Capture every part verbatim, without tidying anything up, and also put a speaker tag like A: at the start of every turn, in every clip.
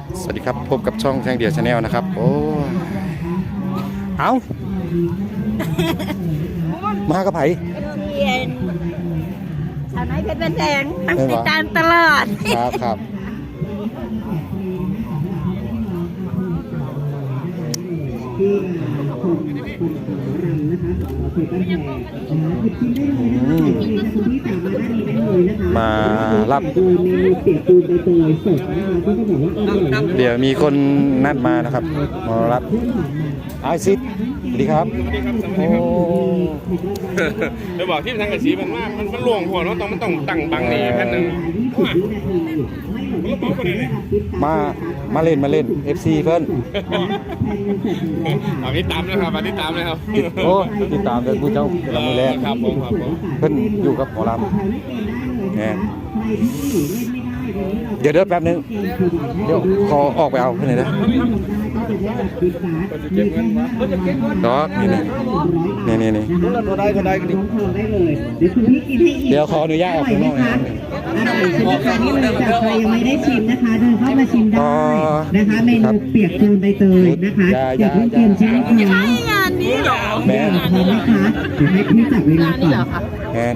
A: สวัสดีครับพบกับช่องแท่งเดียวชาแนลนะครับโอ้เอามากับไผ่
B: เย็นชาวน้อยเพชรบ้านแดงตั้งติดตามตลอด
A: ครับครับมารับเดี๋ยวมีคนนัดมานะครับมารับไอซิดสวัสดีครับโอ้
C: เดี๋ยวบอกที่ทางกระสีมันว่ามันมันหลวงหัวเราต้องมันต้องตั้งบังนี่แค่นึง
A: มามาเล่นมาเล่น เอฟ ซี เพิ่น
C: เอาติดตามนะครับมาติดตามเลยครับ
A: โอ้ติดตามเลยผู้เจ้าเราไม่แลก
C: ครับผมครับผม
A: เพิ่นอยู่กับหมอลำเนี่ยเดี๋ยวเดี๋ยวแป๊บนึงเดี๋ยวขอออกไปเอาเพื่อนเลยนะดอกนี่นี่นี่นี่ก็ได้ก็ได้ก็ดีเดี๋ยวขออนุญาตออกข้างนอกนะ
D: ใครยังไม่ได้ชิมนะคะเดินเข้ามาชิมได้นะคะเมนูเปียกปูนใบเตยนะคะอยากเล่นเกมใช่ไหมคะ
B: งานนี้เหรอ
A: แม่
D: พร้อมไหมคะเดี๋ยวให้พี่จับเวลาก่อน
A: แม่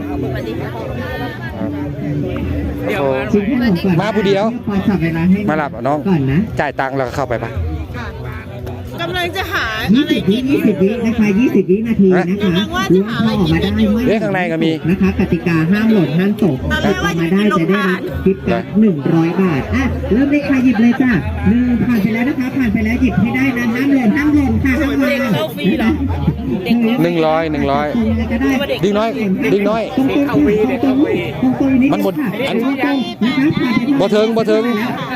A: มาผู้เดียวมาหลับน้องจ่ายตังค์แล้วเข้าไปปะ
B: กำลังจะหา
D: ยี่สิบวิยี่สิบวินะคะยี่สิบวินาทีนะคะล้วงออกมาได้
A: เรื่องข้างในก็มี
D: นะคะกติกาห้ามหล่นห้ามตกออกมาได้จะได้รับทิปละหนึ่งร้อยบาทอ่ะเริ่มเลยค่ะหยิบเลยจ้ะหนึ่งผ่านไปแล้วนะคะผ่านไปแล้วหยิบให้ได้นะห้ามหล่นห้ามหล่นค่ะห้ามหล่น
A: หนึ่งร้อยหนึ่งร้อยดิ้งน้อยดิ้งน้อยมันหมดอันบ่เทิงบ่เทิง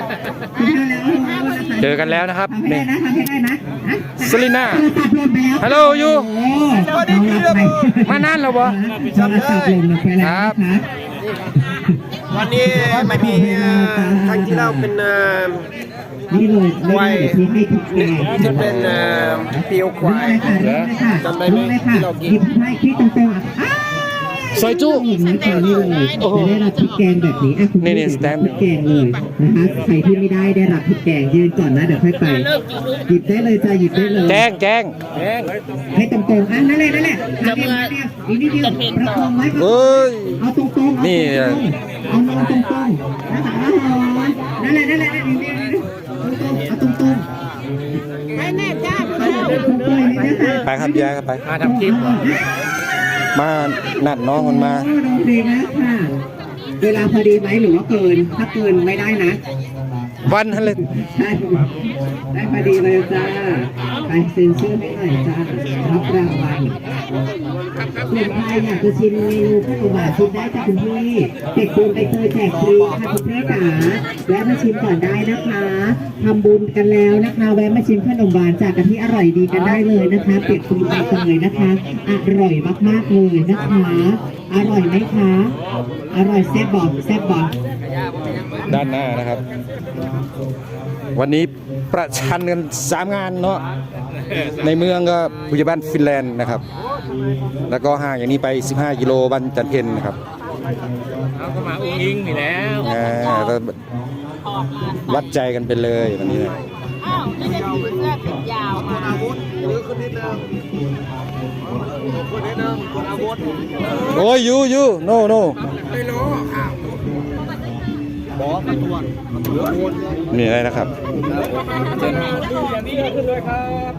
A: เจอกันแล้วนะครับนี่สลิน่าฮัลโหลยูมานานแล้วบ่ครับ
E: วันนี้ไม่มีครั้งที่เราเป็น
D: นี่เลย
E: ควายจะเป็นเปียวควายจำได้ไหมที่เรากิน
D: ให้คิดตรงๆ
A: ซอยจุ
D: นี่เลยจะได้รับพริกแกงแบบนี้อ่ะคุณ
A: นี่นี่สแตมป์
D: พริกแกงเลยนะคะใครที่ไม่ได้ได้รับพริกแกงยืนก่อนนะเดี๋ยวค่อยไปหยิบได้เลยจ้าหยิบได้เลย
A: แจ้งแจ้ง
D: ให้ตรงๆอ่ะนั่นเลยนั่นแหละทำเองนะอีกนิดเดียวประคองไว้
A: เอ้ย
D: เอาตรงๆ
A: นี่
D: เอานอนตรงๆนะคะนั่นแหละนั่นแหละนั่นแหละเอาตรงๆ
B: ไม่แน่จ้า
A: ไปครับยายครับไป
C: มาทำคลิป
A: มานัดน้องมันมา
D: ดีนะค่ะเวลาพอดีไหมหรือว่าเกินถ้าเกินไม่ได้นะ
A: วันฮันเลย
D: ได้ได้พอดีเลยจ้าไปเซ็นชื่อให้หน่อยจ้ารับรางวัลส่วนใครอยากจะชิมเมนูข้าวหวานชิมได้จากคุณพี่เด็กปูนไปเตยแจกฟรีค่ะคุณแม่จ๋าแวะมาชิมก่อนได้นะคะทำบุญกันแล้วนะคะแวะมาชิมขนมหวานจากกะทิอร่อยดีกันได้เลยนะคะเปียกปูนไปเตยนะคะอร่อยมากๆเลยนะคะอร่อยไหมคะอร่อยแซ่บบอกแซ่บบอก
A: ด้านหน้านะครับวันนี้ประชันกันสามงานเนาะในเมืองก็ผู้ใหญ่บ้านฟินแลนด์นะครับแล้วก็ห่างอย่างนี้ไปสิบห้ากิโลบ้านจันเพ็ญนะครับ
C: เอาก็มาอุ้งอิงนี่แล้ว
A: วัดใจกันไปเลยวันนี้นะ
B: อ้าวไม่ได้ถือเสื้อแขนยาวมาอาวุธหรือคนนิดนึง
E: คนนิดนึงคนอาวุธ
A: โอ้ยยูยูโนโน
E: ไม่รู้ข่าวบอสมาตัว
A: นี่อะไรนะครับ
C: อย่างนี้ขึ้นเลยครับ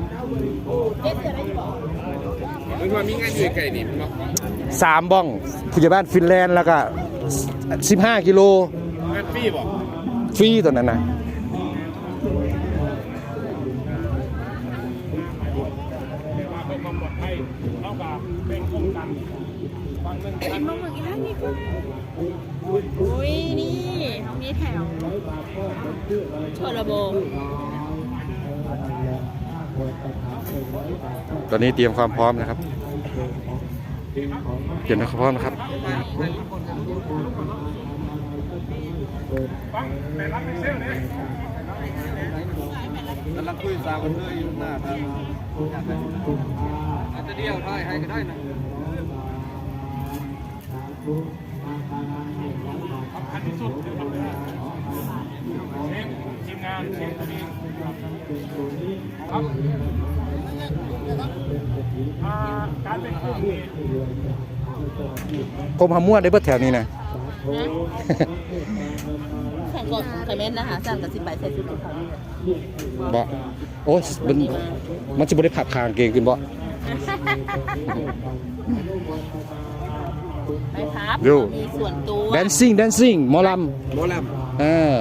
C: มันว่ามีงานอยู่ไกลนี่
A: สามบ้องผู้ใหญ่บ้านฟินแลนด์แล้วก็สิบห้ากิโล
C: งานฟรีบ่
A: ฟรีตัวนั้นนะ
B: ไอ้มะม่วงอีกแล้วนี่คืออุ้ยนี่มีแถวโชลโบ
A: ตอนนี้เตรียมความพร้อมนะครับเตรียมความพร้อมนะครับ
E: กำลังคุยสาวกันเลยอยู่หน้าครับอาจจะเดียวได้ให้ก็ได้นะสำคัญที่สุดคือทำได้ทีมงาน
A: กรมหามั่วได้เบิดแถวนี้นะ
B: แข่งก่อนไข่เม็ดนะคะสั่งกับสิบใบใส่ชุดของเขานี่
A: บ่โอ้ยมันมันจะบ่ได้ผับคางเก่งขึ้นบ่
B: ไปครับ
A: ดู
B: มีส่วนตัว
A: dancing dancing หมอล
E: หมอล
A: ำอ่า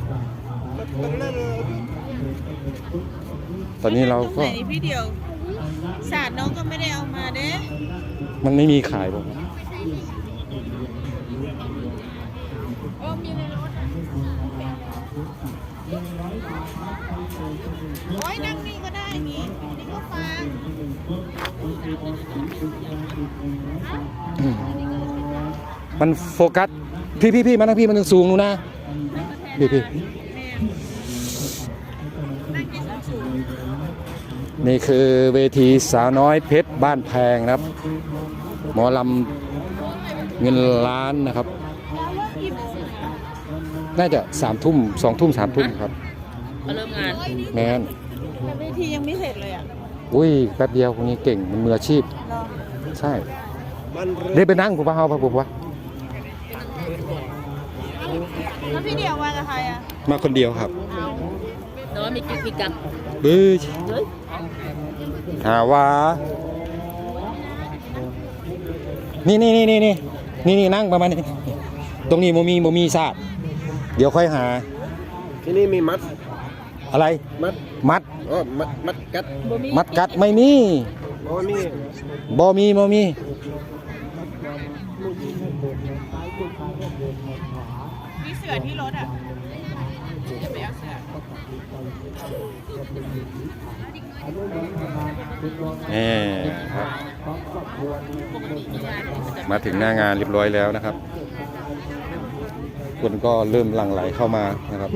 A: ตอนนี้เราก็
B: ตงไหนพี่เดียวศาสตร์น้องก็ไม่ได้เอามาเด้
A: มันไม่มีขายบ่
B: โอ้มีในรถโอ้ยนั่งนี่ก็ได้นี่นี่ก็ฟัง
A: มันโฟกัสพี่พี่พี่มานั่งพี่มันยังสูงนู่นนะพี่พี่นี่คือเวทีสาวน้อยเพชรบ้านแพงนะครับ หมอลำเงินล้านนะครับ น่าจะสามทุ่มสองทุ่มสามทุ่มครับ
B: มาเริ่มงาน
A: แมน
B: แต่เวทียังไม่เสร็จเลยอ่ะ
A: อุ้ยแป๊บเดียวคนนี้เก่งมันมืออาชีพ
B: รอ
A: ใช่
E: ำมันเริ่ม
A: ได้ไปนั่งผมว่าเอาไปผมว่า
B: แล้วพี่เดียวมากับใครอ่ะ
A: มาคนเดียวครับ
B: แต่ว่ามีกิ๊กมีกัก
A: บื้อ
B: เฮ้ย
A: หาว่านี่นี่นี่นี่นี่นี่นี่นั่งประมาณนี้ตรงนี้โมมีโมมีซาดเดี๋ยวค่อยหา
E: ที่นี่มีมัด
A: อะไร
E: มัด
A: มัด
E: อ๋อมัดมัดกัด
A: มัดกัดไม่มี
E: อ๋อมี
A: บอมีบอมี
B: มีเสือที่รถอ่ะจะไปเอาเสือ
A: แหมครับมาถึงหน้างานเรียบร้อยแล้วนะครับ คนก็เริ่มหลั่งไหลเข้ามานะครับ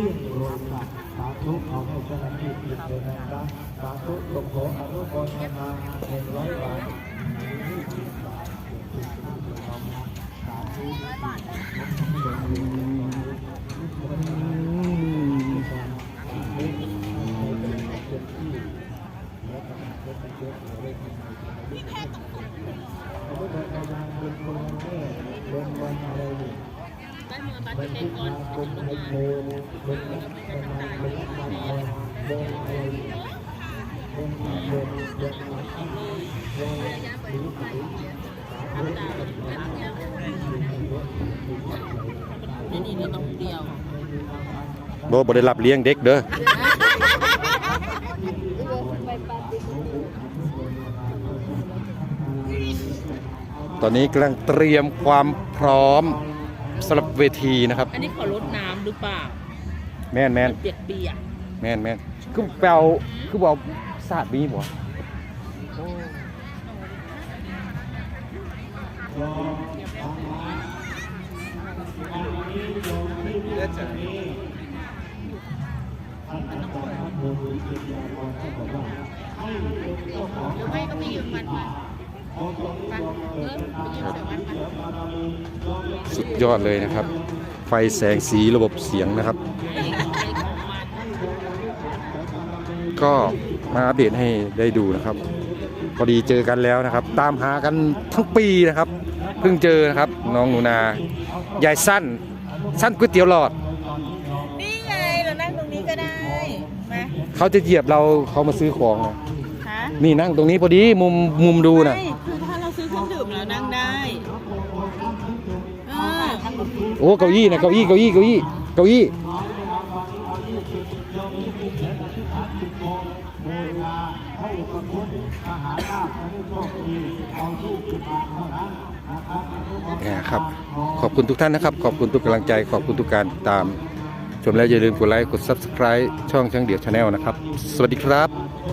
B: นี่นี่เราต้องเดียว
A: โบบ่ได้รับเลี้ยงเด็กเด้อตอนนี้กำลังเตรียมความพร้อมสำหรับเวทีนะครับ
B: อันนี้ขอรดน้ำหรือเปล่า
A: แม่นแม่น
B: เปียกเปียก
A: แม่นแม่นคือแปลวคือบอกศาสตร์มีบ่สุดยอดเลยนะครับ ไฟแสงสีระบบเสียงนะครับ ก็มาอัปเดตให้ได้ดูนะครับ พอดีเจอกันแล้วนะครับ ตามหากันทั้งปีนะครับ เพิ่งเจอนะครับ น้องหนูนายายสั้นสั้นก๋วยเตี๋ยวหลอด
B: นี่ไงเรานั่งตรงนี้ก็ได้มา
A: เขาจะเหยียบเราเขามาซื้อของนะ
B: ฮะ
A: นี่นั่งตรงนี้พอดีมุมมุมดูนะ
B: ใช่คือถ้าเราซื้อเครื่องดื่มแล้วนั่งได้เออ
A: โอ้เก้าอี้นะเก้าอี้เก้าอี้เก้าอี้เก้าอี้นะครับ ขอบคุณทุกท่านนะครับ ขอบคุณทุกกำลังใจขอบคุณทุกการติดตาม ชมแล้วอย่าลืมกดไลค์กด ซับสไครบ์ ช่องช่างเดี่ยวชาแนลนะครับ สวัสดีครับ